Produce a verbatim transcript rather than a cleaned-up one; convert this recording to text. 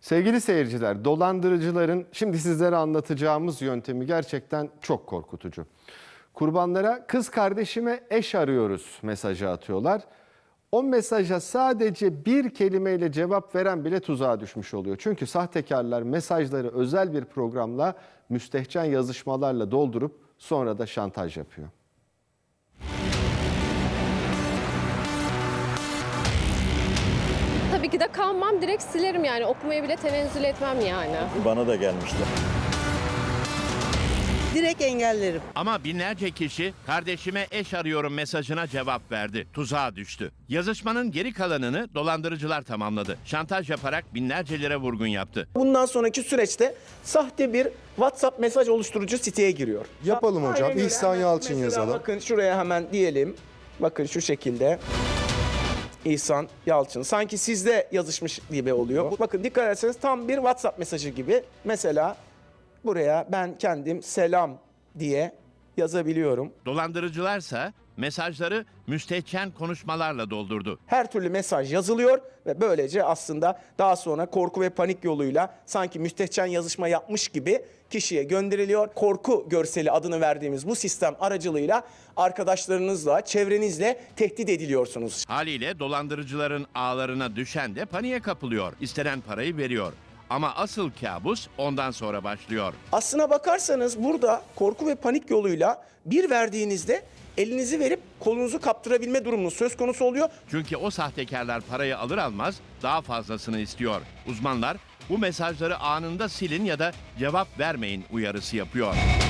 Sevgili seyirciler, dolandırıcıların şimdi sizlere anlatacağımız yöntemi gerçekten çok korkutucu. Kurbanlara kız kardeşime eş arıyoruz mesajı atıyorlar. O mesaja sadece bir kelimeyle cevap veren bile tuzağa düşmüş oluyor. Çünkü sahtekarlar mesajları özel bir programla müstehcen yazışmalarla doldurup sonra da şantaj yapıyor. Tabii ki de kalmam, direkt silerim yani, okumaya bile tenezzül etmem yani. Bana da gelmişler. Direkt engellerim. Ama binlerce kişi kardeşime eş arıyorum mesajına cevap verdi. Tuzağa düştü. Yazışmanın geri kalanını dolandırıcılar tamamladı. Şantaj yaparak binlerce lira vurgun yaptı. Bundan sonraki süreçte sahte bir WhatsApp mesaj oluşturucu siteye giriyor. Yapalım hocam. Aynen öyle. İhsan Hemen Yalçın mesela yazalım. Bakın şuraya hemen diyelim. Bakın şu şekilde. İhsan Yalçın. Sanki sizde yazışmış gibi oluyor. Bakın dikkat ederseniz tam bir WhatsApp mesajı gibi. Mesela buraya ben kendim selam diye yazabiliyorum. Dolandırıcılarsa mesajları müstehcen konuşmalarla doldurdu. Her türlü mesaj yazılıyor ve böylece aslında daha sonra korku ve panik yoluyla sanki müstehcen yazışma yapmış gibi kişiye gönderiliyor. Korku görseli adını verdiğimiz bu sistem aracılığıyla arkadaşlarınızla, çevrenizle tehdit ediliyorsunuz. Haliyle dolandırıcıların ağlarına düşen de paniğe kapılıyor. İstenen parayı veriyor. Ama asıl kabus ondan sonra başlıyor. Aslına bakarsanız burada korku ve panik yoluyla bir verdiğinizde elinizi verip kolunuzu kaptırabilme durumunuz söz konusu oluyor. Çünkü o sahtekarlar parayı alır almaz daha fazlasını istiyor. Uzmanlar bu mesajları anında silin ya da cevap vermeyin uyarısı yapıyor.